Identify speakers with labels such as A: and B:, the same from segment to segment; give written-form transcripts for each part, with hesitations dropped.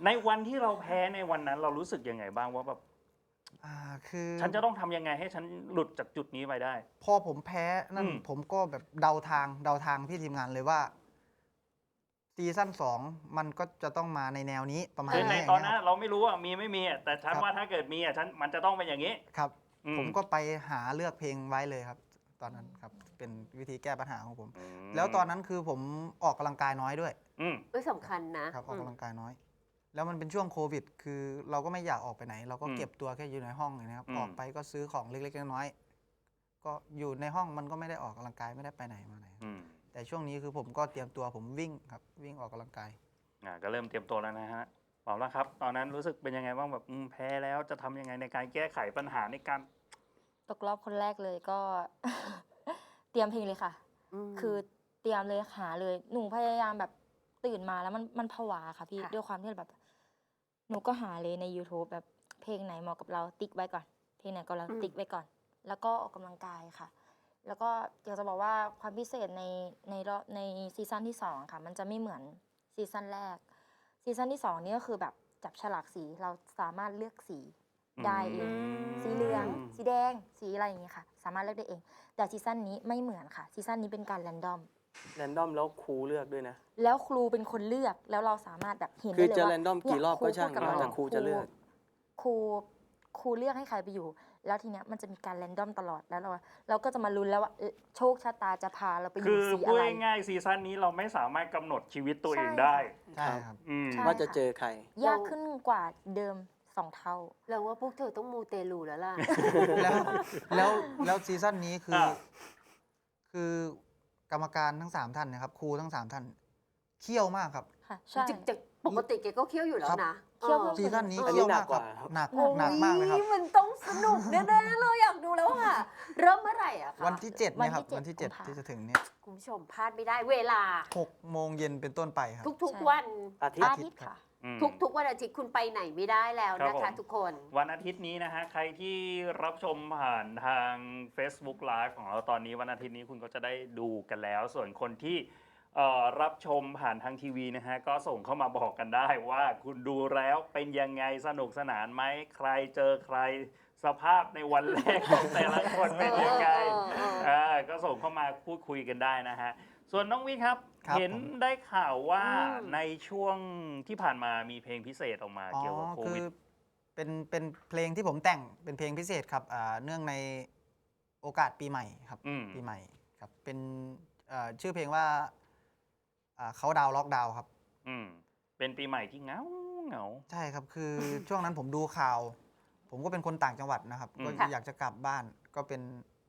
A: ในวันที่เราแพ้ในวันนั้นเรารู้สึกยังไงบ้างว่าแบบ
B: คือ
A: ฉันจะต้องทำยังไงให้ฉันหลุดจากจุดนี้ไปได้
B: พอผมแพ้นั่นผมก็แบบเดาทางพี่ทีมงานเลยว่าซีซั่น2มันก็จะต้องมาในแนวนี้ประมาณ
A: คือใน
B: นี้
A: ตอนนั้นเราไม่รู้ว่ามีไม่มีแต่ฉันว่าถ้าเกิดมีฉันมันจะต้องเป็นอย่างนี้
B: ครับผมก็ไปหาเลือกเพลงไว้เลยครับตอนนั้นครับเป็นวิธีแก้ปัญหาของผมแล้วตอนนั้นคือผมออกกำลังกายน้อยด้วย
C: สำคัญนะครับ
B: ออกกำลังกายน้อยแล้วมันเป็นช่วงโควิดคือเราก็ไม่อยากออกไปไหนเราก็เก็บตัวแค่อยู่ในห้องอย่างนี้ครับออกไปก็ซื้อของเล็กๆน้อยๆก็อยู่ในห้องมันก็ไม่ได้ออกกำลังกายไม่ได้ไปไหนมาไหนแต่ช่วงนี้คือผมก็เตรียมตัวผมวิ่งครับวิ่งออกกำลังกาย
A: ก็เริ่มเตรียมตัวแล้วนะฮะบอกแล้วครับตอนนั้นรู้สึกเป็นยังไงบ้างแบบแพ้แล้วจะทำยังไงในการแก้ไขปัญหาในการ
D: ตกรอบคนแรกเลยก็ เตรียมเพลงเลยค่ะคือเตรียมเลยหาเลยหนูพยายามแบบตื่นมาแล้วมันผวาค่ะพี่ด้วยความที่แบบหนูก็หาเลยใน YouTube แบบเพลงไหนเหมาะกับเราติ๊กไว้ก่อนเพลงไหนก็เราติ๊กไว้ก่อนแล้วก็ออกกำลังกายค่ะแล้วก็อยากจะบอกว่าความพิเศษในซีซั่นที่2ค่ะมันจะไม่เหมือนซีซั่นแรกซีซั่นที่2นี่ก็คือแบบจับฉลากสีเราสามารถเลือกสีได้เองสีเหลืองสีแดงสีอะไรอย่างเงี้ยค่ะสามารถเลือกได้เองแต่ซีซั่นนี้ไม่เหมือนค่ะซีซั่นนี้เป็นการแรนดอม
E: แล้วครูเลือกด้วยนะ
D: แล้วครูเป็นคนเลือกแล้วเราสามารถแบบเห็นได้
E: คือ
D: เลยว่า
E: จะแรนดอมกี่รอบก็ช่างแต่ครูจะเลือก
D: ครูเลือกให้ใครไปอยู่แล้วทีเนี้ยมันจะมีการแรนดอมตลอดแล้วเราก็จะมาลุ้นแล้วว่าโชคชะตาจะพาเราไปอยู่สีอะไร
A: คือพูดง่ายๆซีซั่นนี้เราไม่สามารถกำหนดชีวิตตัวเองได้
B: ใช่ครับ
E: ว่าจะเจอใคร
D: ยากขึ้นกว่าเดิม2 เท่า
C: เราว่าพวกเธอต้องมูเตลูแล้วล่ะ
B: แล้วซีซั่นนี้คือกรรมการทั้ง3ท่านนะครับครูทั้ง3ท่านเขี้ยวมากครับ
D: ค่ะใช่
C: จากปกติแกก็เคี่ยวอยู่แล้วนะ
D: เคี่ยวเพิ่ม
B: ซีซั่นนี้เขี้ยวมากครับหนักมากเลยครับ
C: มันต้องสนุกแน่ๆเลยอยากดูแล้วค่ะเริ่มเมื่อไหร่อะคะ
B: วันที่7เนี่ยครับวันที่7ที่จะถึงเนี่ย
C: คุณผู้ชมพลาดไม่ได้เวลา
B: 6 โมงเย็นเป็นต้นไปครับ
C: ทุกๆวัน
E: อาทิตย์
D: ค่ะ
C: ทุกวันอาทิตย์คุณไปไหนไม่ได้แล้วนะคะทุกคน
A: วันอาทิตย์นี้นะฮะใครที่รับชมผ่านทาง Facebook Live ของเราตอนนี้วันอาทิตย์นี้คุณก็จะได้ดูกันแล้วส่วนคนที่รับชมผ่านทางทีวีนะฮะก็ส่งเข้ามาบอกกันได้ว่าคุณดูแล้วเป็นยังไงสนุกสนานไหมใครเจอใครสภาพในวันแรกของแต่ละคนเป็นยังไงก็ส่งเข้ามาพูดคุยกันได้นะฮะส่วนน้องวิทย์ครับเห็นได้ข่าวว่าในช่วงที่ผ่านมามีเพลงพิเศษออกมาเกี่ยวกับโควิด
B: เป็นเพลงที่ผมแต่งเป็นเพลงพิเศษครับเนื่องในโอกาสปีใหม่ครับปีใหม่ครับเป็นชื่อเพลงว่าเขาดาวล็อกดาวครับ
A: เป็นปีใหม่ที่เหงา
B: ใช่ครับคือช่วงนั้นผมดูข่าวผมก็เป็นคนต่างจังหวัดนะครับก็อยากจะกลับบ้านก็เป็น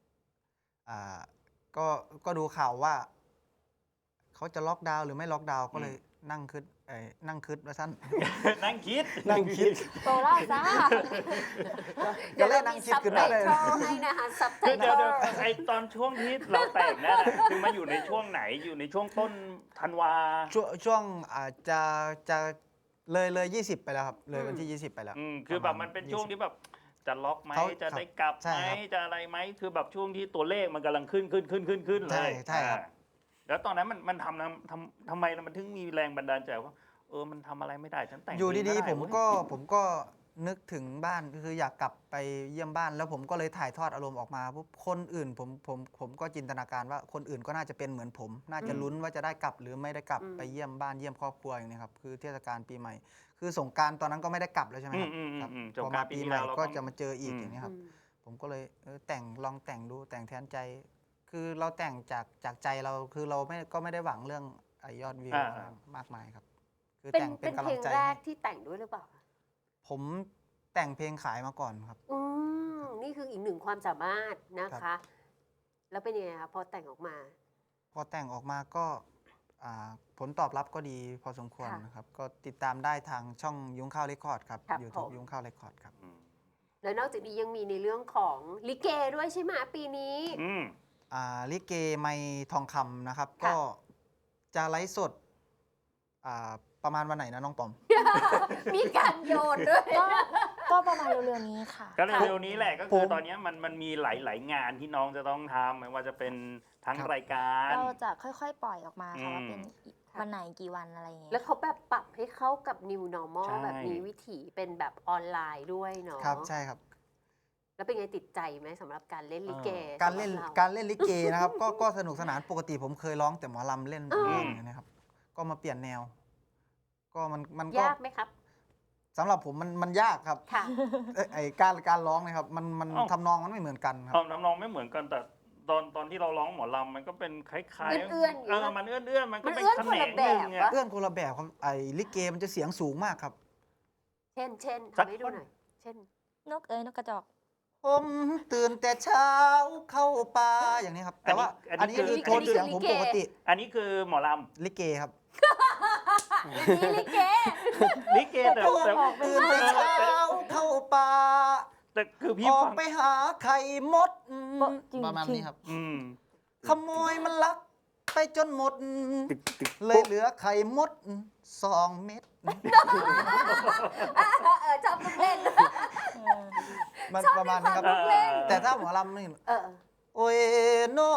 B: ก็ดูข่าวว่าเขาจะล็อกดาวน์หรือไม่ล็อกดาวน์ก็เลยนั่งคิดว่าสั้น
A: นั่งคิด
D: โตล่าซ่า
C: เดี๋ยวเรามีซับไตเติลให้นะคะซับไตเติล
A: เดี๋ยวไอตอนช่วงที่เราแต่งนั่นคือมาอยู่ในช่วงไหนอยู่ในช่วงต้นธันวา
B: ช่วงจะเลย20ไปแล้วครับเลยวันที่20ไปแล้ว
A: คือแบบมันเป็นช่วงที่แบบจะล็อกไหมจะได้กลับไหมจะอะไรไหมคือแบบช่วงที่ตัวเลขมันกำลังขึ้นเลย
B: ใช่ครับ
A: แล้วตอนนั้นมันทำไมมันถึงมีแรงบันดาลใจว่ามันทำอะไรไม่ได้ฉันแต่ง
B: อยู่ดีๆผมก็นึกถึงบ้านคืออยากกลับไปเยี่ยมบ้านแล้วผมก็เลยถ่ายทอดอารมณ์ออกมาปุ๊บคนอื่นผมก็จินตนาการว่าคนอื่นก็น่าจะเป็นเหมือนผมน่าจะลุ้นว่าจะได้กลับหรือไม่ได้กลับไปเยี่ยมบ้านเยี่ยมครอบครัวอย่างนี้ครับคือเทศกาลปีใหม่คือสงกรานต์ตอนนั้นก็ไม่ได้กลับแล้วใช่ไหมครับพอมาปีใหม่ก็จะมาเจออีกอย่างนี้ครับผมก็เลยลองแต่งดูแต่งแทนใจคือเราแต่งจากใจเราคือเราก็ไม่ได้หวังเรื่องยอดวิวมากมายครับคือแต่งเป็นกำลังใจ
C: เพลงแรกที่แต่งด้วยหรือเปล่า
B: ผมแต่งเพลงขายมาก่อนครับ
C: นี่คืออีกหนึ่งความสามารถนะคะแล้วเป็นยังไงคะพอแต่งออกมา
B: ก็ผลตอบรับก็ดีพอสมควรนะครับก็ติดตามได้ทางช่องยุ้งข้าวเรคคอร์ดครับ YouTube ยุ้งข้าวเรคคอร์ดครับ
C: แล้วนอกจากนี้ยังมีในเรื่องของลิเกด้วยใช่ไหมปีนี้
B: ลิเกไมทองคำนะครับก็จะไลฟ์สดประมาณวันไหนนะน้องปอม
C: มีการโยนด้วย
D: ก็ประมาณเร็วๆนี้ค่ะ
A: ก็เร็วๆนี้แหละก็คือตอนนี้มันมีหลายๆงานที่น้องจะต้องทำไม่ว่าจะเป็นทั้งรายการ
D: เราจะค่อยๆปล่อยออกมาค่ะว่าเป็นวันไหนกี่วันอะไรอย่างเงี้ย
C: แล้วเขาแบบปรับให้เข้ากับ new normal
A: ใช่
C: แบบนี้วิถีเป็นแบบออนไลน์ด้วยเนาะ
B: ครับใช่ครับ
C: แล้วเป็นไงติดใจไหมสำหรับการเล่นลิเก
B: การเล่น
C: สำหบ
B: การเล่นลิเกนะครับ ก็สนุกสนานปกติผมเคยร้องแต่หมอลำเล่น
C: อืม
B: อย่างเงี้ยนะครับ ก็มาเปลี่ยนแนว ก็มันก็
C: ยากไหมครับ
B: สำหรับผมมันยากครับ
C: ค่ะ
B: ไอ้การร้องนะครับมัน
A: อ้าว
B: ทำนองมันไม่เหมือนกันครับ
A: น้ำนองไม่เหมือนกันแต่ตอนที่เราร้องหมอลำมันก็เป็นคล้ายๆ
C: เอื้อนๆอย่างเงี้ย
A: มันเอื้อนๆมันก็เป็น
C: มันเอื้อน
A: แข
C: คน
A: น
C: ละ
A: ง
C: แบ
A: ห
C: บ
A: นึ่ง
C: วะ
A: อะ
B: เอื้อนคนละแบบครับไอ้ลิเกมันจะเสียงสูงมากครับ
C: เช่น
A: สัก
C: ทำให้ดูหน่อย เช่น
D: นกเอ้ยนกกระจอก
B: ผมตื่นแต่เช้าเข้าป่าอย่างนี้ครับ แต่ว่าอันนี้คือโทนเสียงผมปกติ
A: อันนี้คือหมอล
B: ลิเกครับ
C: นี่ลิเก
A: ำลิเกแต่
B: ตื่นแต่เช้าเข้าป่า
A: แต่คือพี่
B: ออก
A: ฟัง
B: ไปหาไข่มด
D: จริง
B: ประมาณนี้ครับ
A: อืม
B: ขโมยมันลักไปจนหมด เลยเหลือไข่มด2 เม็ด
C: ชอบลูกเล่น
B: มันประมาณนี้ครับ
C: ชอบเล่น
B: แต่ถ้าหมอลำนี่
C: เออ
B: โอ้ยโน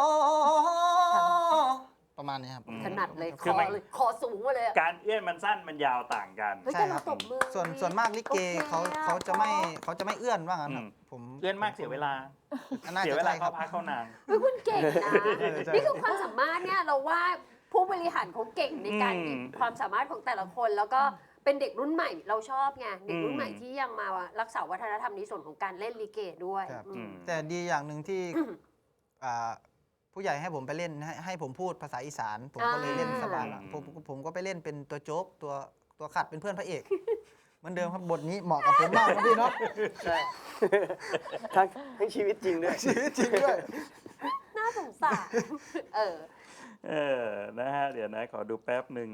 B: ประมาณนี้ครับ
C: ถนัดเลย
A: คือ
C: คอสูงมาเลยอะ
A: การเอื้อนมันสั้นมันยาวต่างกัน
C: เฮ้ย
B: ใช่
C: แต่
B: ครั
C: เรา
B: บ
C: ตบมือ
B: ส่วนมากลิเก
C: โอค
B: เขาจะไม่เอื้อนว่างั้นครับ
A: อืม
B: ผม
A: เอื้อนมากเสียเวลา
B: น่า
A: เสีย
B: จะ
A: เวลา
B: ใช่ครั
A: เข้า
B: บ
A: พักเข้านาน
C: เฮ้ยคุณเก่งนะ
B: ใช่
C: นี่คือความสามารถเนี่ยเราว่าผู้บริหารเขาเก่งในการ
A: อืม
C: หยิบความสามารถของแต่ละคน แล้วก็เป็นเด็กรุ่นใหม่เราชอบไงเด็กรุ่น
A: อืม
C: ใหม่ที่ยังมารักษาวัฒนธรรมในส่วนของการเล่นลิเกด้วย
B: ครับ
C: อืม
B: แต่ดีอย่างหนึ่งที่ผู้ใหญ่ให้ผมไปเล่นให้ผมพูดภาษาอีสาน ผมก็เลยเล่นสบายละผมก็ไปเล่นเป็นตัวโจ๊กตัวขัดเป็นเพื่อนพระเอก เหมือนเดิมครับบทนี้เหมาะกับผมมากนะพี่เนาะ
E: ใช่ ทั้งชีวิตจริงด้วย
B: ชีวิตจริงด้วย
C: น่าสงสารเออ
A: นะฮะ เดี๋ยวนะ ขอดูแป๊บหนึ่ง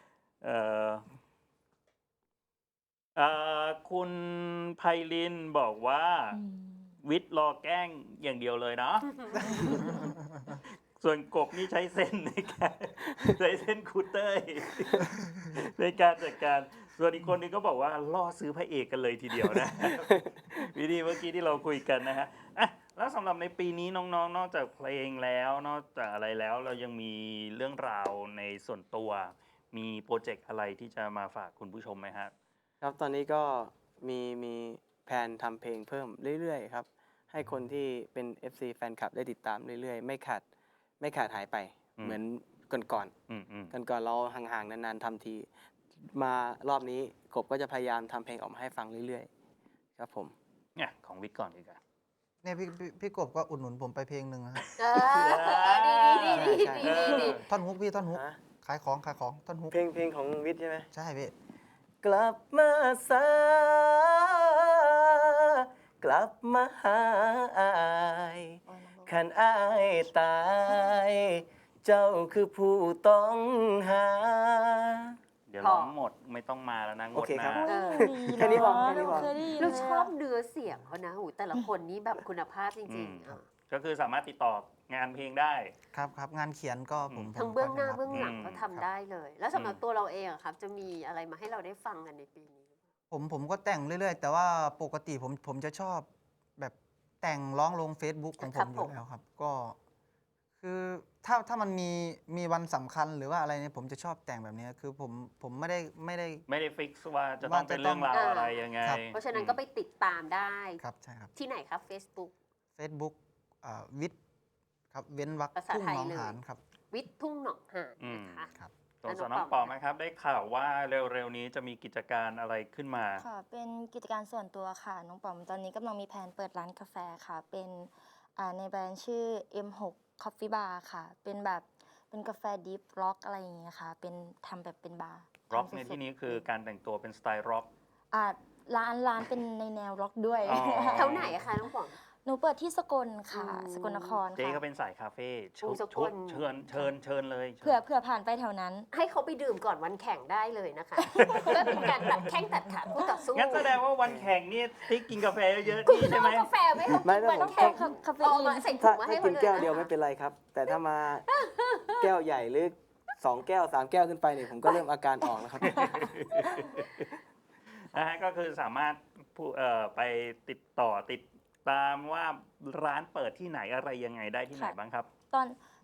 A: คุณไพลินบอกว่า วิทย์รอแกล้งอย่างเดียวเลยเนาะ ส่วนกบนี่ใช้เส้นในการ ใช้เส้นคูเตอร์ในการจัดการ ส่วนอีกคนนึงก็บอกว่าล่อซื้อพระเอกกันเลยทีเดียวนะ วิธีเมื่อกี้ที่เราคุยกันนะฮะอ่ะแล้วสำหรับในปีนี้น้องๆ นอกจากเพลงแล้วนอกจากอะไรแล้วเรายังมีเรื่องราวในส่วนตัว มีโปรเจกต์อะไรที่จะมาฝากคุณผู้ชมไหมฮะ
E: ครับตอนนี้ก็มีแผนทำเพลงเพิ่มเรื่อยๆครับ ให้คนที่เป็น FC แฟนคลับได้ติดตามเรื่อยๆ ไม่ขาดหายไป
A: อืม
E: เหมือนก่อน
A: อืม
E: ก่อนเราห่างๆนานๆทำที มารอบนี้กบก็จะพยายามทำเพลงออกมาให้ฟังเรื่อยๆ ครับผม
A: เนี่ยของวิทย์ก่อนดีกว่า
B: เนี่ยพี่กบก็อุดหนุนผมไปเพลงหนึ่งนะครับ
C: เออดี
B: ท่อนฮุกพี่ท่อนฮุก
E: ฮะ
B: ขายของท่อนฮุก
E: เพลงของวิทย์ใช่ไหม
B: ใช่พี่
E: กลับมาซากลับมาหาอายขันอายตาย เจ้าคือผู้ต้องหา
A: เดี๋ยวร้องหมดไม่ต้องมาแล้วนะง
E: โอ
A: ด
E: เค
A: ห
E: ครั
A: น้า
E: บ
C: เออ
E: แค่นี้พอแค่นี้พอ
D: เคยได้ยิน
C: เรา
D: เลย
C: ช
D: อะ
C: อบเนื้อเสียงเขานะหูแต่ละคนนี้แบบคุณภาพจริงๆ
A: ครั
C: อ่ะ
A: บ ก็คือสามารถติดต่องานเพลงได้
B: ครับงานเขียนก็ผม
C: ทั้งเบื้องหน้า
B: ผม
C: เบื้องหลัง
A: อืม
C: เขาทำได้เลย แล้วสำหรับตัวเราเองอะครับ จะมีอะไรมาให้เราได้ฟังกันในปีนี้
B: ผมก็แต่งเรื่อยๆ แต่ว่าปกติผมจะชอบแบบแต่งร้องลง Facebook ของผมอยู่แล้วครับ ก็คือถ้ามันมีวันสำคัญหรือว่าอะไรเนี่ยผมจะชอบแต่งแบบนี้คือผมไม่ได้
A: ไม่ได้ฟิกซ์ว่าจะต้อง
B: ว่าจะ
A: เป็นเรื่องราว
C: ต้อง
A: อะไรยังไง
B: ครับ
C: เพราะฉะนั้นก็ไปติดตามได้
B: ครับใช่ครับ
C: ที่ไหนครับ Facebook
B: Facebook วิทย์ครับเว้นวรรค
C: ภาษา
B: ทุ่ง
C: ไทย
B: หนอง
C: เลย
B: หานครับ
C: วิทย์ทุ่งหนองหานนะคะ
B: ครับ
A: ส่วนน้องปอมนะครับ ได้ข่าวว่าเร็วๆนี้จะมีกิจการอะไรขึ้นมา
D: ค่ะ เป็นกิจการส่วนตัวค่ะ น้องป๋อมตอนนี้กำลังมีแผนเปิดร้านกาแฟค่ะ เป็นในแบรนด์ชื่อ M6 Coffee Bar ค่ะ เป็นแบบเป็นกาแฟดิฟร็อกอะไรอย่างเงี้ยค่ะ เป็นทำแบบเป็นบาร์
A: ร็อก
D: ทำสดๆ
A: ในที่นี้คือการแต่งตัวเป็นสไตล์ร็อก
D: อ่าร้านเป็นในแนวร็อกด้วย
A: อ๋อ
C: แถวไหนอะคะน้องป๋อง
D: หนูเปิดที่สกลค่ะ
C: อืม
D: สกลนคร
A: เจ๊
D: ค่ะ
A: ก็เป็นสายคาเฟ่
C: โอ้สกล
A: เชิญเลย
D: เผื่อผ่านไปแถวนั้น
C: ให้เขาไปดื่มก่อนวันแข่งได้เลยนะคะก็เป็นการตัดแข้งตัดขาคู่ต่อสู้
A: งั้นแสดงว่าวันแข่งนี่ที่กินกาแฟเยอะๆ
C: คุณ
A: นี่
C: ต้
A: ใช่
C: อง
A: ไหม
C: เอากาแฟไหมเขา
E: ไม่
C: กิน
E: ได้
C: วัน
E: ผม
C: แข่ง
D: คาเฟ
C: เอา
D: อี
C: มาน ใส่ถุ
E: ถ้าง
C: มาให้
E: ถ้า
C: เขา
E: กิน
C: เลย
E: แก้วเดียว
C: นะคะ
E: ไม่เป็นไรครับ แต่ถ้ามา แก้วใหญ่หรือ2 แก้ว 3 แก้วขึ้นไปเนี่ยผมก็เริ่มอาการออกแล้วครับ
A: นะฮะก็คือสามารถไปติดต่อติดตามว่าร้านเปิดที่ไหนอะไรยังไงได้ที่ไหน
D: ค่ะ
A: บ้างครับ
D: ตอน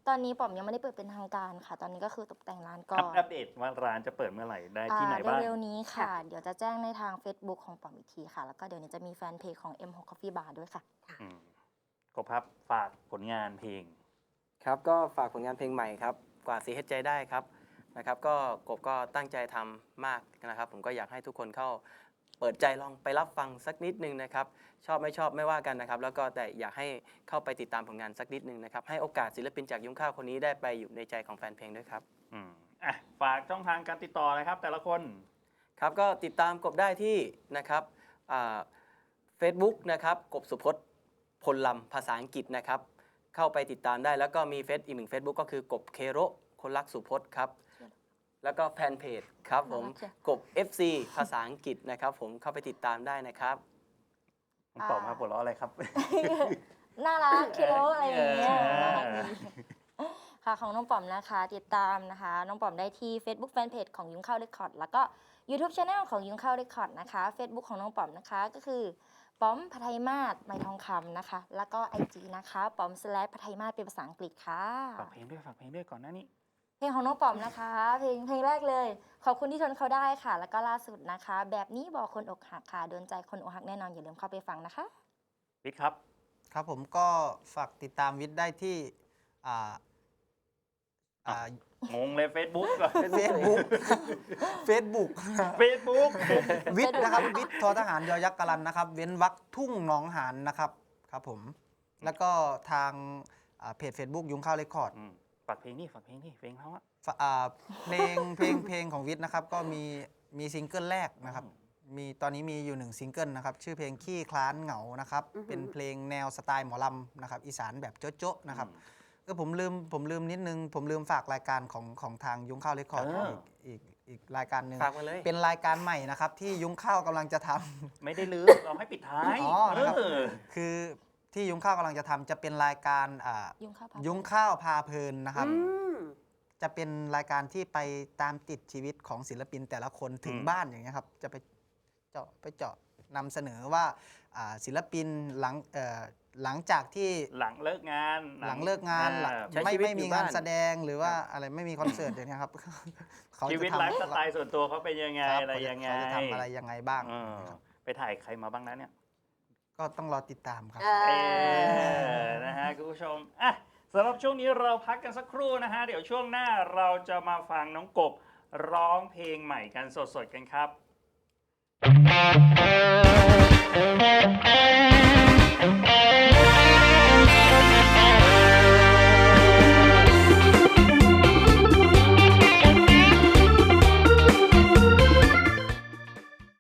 D: ตอนนี้ป๋อมยังไม่ได้เปิดเป็นทางการค่ะ ตอนนี้ก็คือตกแต่งร้านก่อน
A: อัปเดตว่าร้านจะเปิดเมื่อไหร่ได้ที่ไหนบ้าง
D: เร็วๆนี้ค่ะ เดี๋ยวจะแจ้งในทาง Facebook ของป๋อมอีกทีค่ะ แล้วก็เดี๋ยวนี้จะมีแฟนเพจของ M6 Coffee Bar ด้วยค่ะ
A: อืมกบครับฝากผลงานเพลง
E: ครับก็ฝากผลงานเพลงใหม่ครับกว่าสีเฮ็ดใจได้ครับนะครับก็กบก็ตั้งใจทำมากนะครับผมก็อยากให้ทุกคนเข้าเปิดใจลองไปรับฟังสักนิดนึงนะครับชอบไม่ชอบไม่ว่ากันนะครับแล้วก็แต่อยากให้เข้าไปติดตามผลงานสักนิดนึงนะครับให้โอกาสศิลปินจากยุ้งข้าวคนนี้ได้ไปอยู่ในใจของแฟนเพลงด้วยครับ
A: อืมฝากช่องทางการติดต่อเลยครับ แต่ละคน
E: ครับก็ติดตามกบได้ที่นะครับเฟซบุ๊กนะครับกบสุพจน์พลลำภาษาอังกฤษนะครับเข้าไปติดตามได้แล้วก็มีอีกหนึ่ง Facebook ก็คือกบเคโรคนรักสุพจน์ครับแล้วก็แฟนเพจครับผมกบ FC ภาษาอังกฤษนะครับผมเข้าไปติดตามได้นะครับ
A: ผมตอบมาหัวเราะอะไรครับ
D: น่ารักคิโลอะไรอย่างเงี้ย
A: เออ
D: น่ารักดีค่ะของน้องป๋อมนะคะ ติดตามนะคะ น้องป๋อมได้ที่ Facebook Fanpage ของยุ้งข้าวเรคคอร์ดแล้วก็ YouTube Channel ของยุ้งข้าวเรคคอร์ดนะคะ Facebook ของน้องป๋อมนะคะก็คือป๋อมพทัยมาศไมทองคำนะคะ แล้วก็ IG นะคะป๋อมพทัยมาศเป็นภาษาอังกฤษค่ะ
A: ฝากเพลงด้วยก่อนหน้านี้
D: เพลงของน้องป๋อมนะคะ เพลงแรกเลย ขอบคุณที่ทนเขาได้ค่ะ แล้วก็ล่าสุดนะคะ แบบนี้บอกคนอกหักค่ะโดนใจคนอกหักแน่นอนอย่าลืมเข้าไปฟังนะคะ
A: วิทย์ครับ
B: ครับผมก็ฝากติดตามวิทย์ได้ที่อ่าอ่าง
A: งเลย Facebook ก่อน
B: เฟซบุ๊กเฟซบุ๊ก
A: Facebook
B: วิทย์นะครับวิทย์ทอทหารยอยักษ์กรันนะครับ เว้นวรรคทุ่งหนองหานนะครับครับผมแล้วก็ทางเพจ Facebook ยุ้งข้าวเรคคอร์ด
A: ฝากเพลงนี่เพลงเขาอะ
B: เพลงของวิทย์นะครับก็มีซิงเกิลแรกนะครับตอนนี้มีอยู่1ซิงเกิลนะครับชื่อเพลงขี้คลานเหงานะครับเป็นเพลงแนวสไตล์หมอลำนะครับอีสานแบบโจ๊ะๆนะครับผมลืมนิดนึงผมลืมฝากรายการของทางยุ้งข้าวเรคคอร์ดอีกรายการหนึ่ง
E: ฝากมาเลย
B: เป็นรายการใหม่นะครับที่ยุ้งข้าวกำลังจะทำ
A: ไม่ได้ลืมเราให้ปิดท้าย
B: อ๋อนะครับ
A: เออ
B: คือที่ยุ้งข้าวกำลังจะทำจะเป็นรายการ
D: ยุ้งข้าว
B: ยุ้งข้าวพาเพลินนะครับ
C: อืม
B: จะเป็นรายการที่ไปตามติดชีวิตของศิลปินแต่ละคนถึงบ้านอย่างเงี้ยครับจะไปเจาะนำเสนอว่าศิลปินหลังจากที่
A: หลังเลิกงาน
B: หลังเลิกงาน
E: ใช้ชีวิต
B: ไม่
E: อยู่
B: มี
E: บ้าน
B: งานแสดงหรือว่าอะไรไม่มีคอนเสิร์ตอย่างเงี้ยครับ เขา
A: ชี
B: จะ
A: วิต
B: ทำ
A: ไลฟ์สไตล์ส่วนตัวเขาเป็นยังไง
B: ครับ
A: อะไรยังไง
B: เขาจะทำอะไรยังไงบ้าง
A: เออไปถ่ายใครมาบ้างนะเนี่ย
B: ก็ต้องรอติดตามครับ
A: นะฮะคุณผู้ชมสำหรับช่วงนี้เราพักกันสักครู่นะฮะเดี๋ยวช่วงหน้าเราจะมาฟังน้องกบร้องเพลงใหม่กันสดๆกันครับ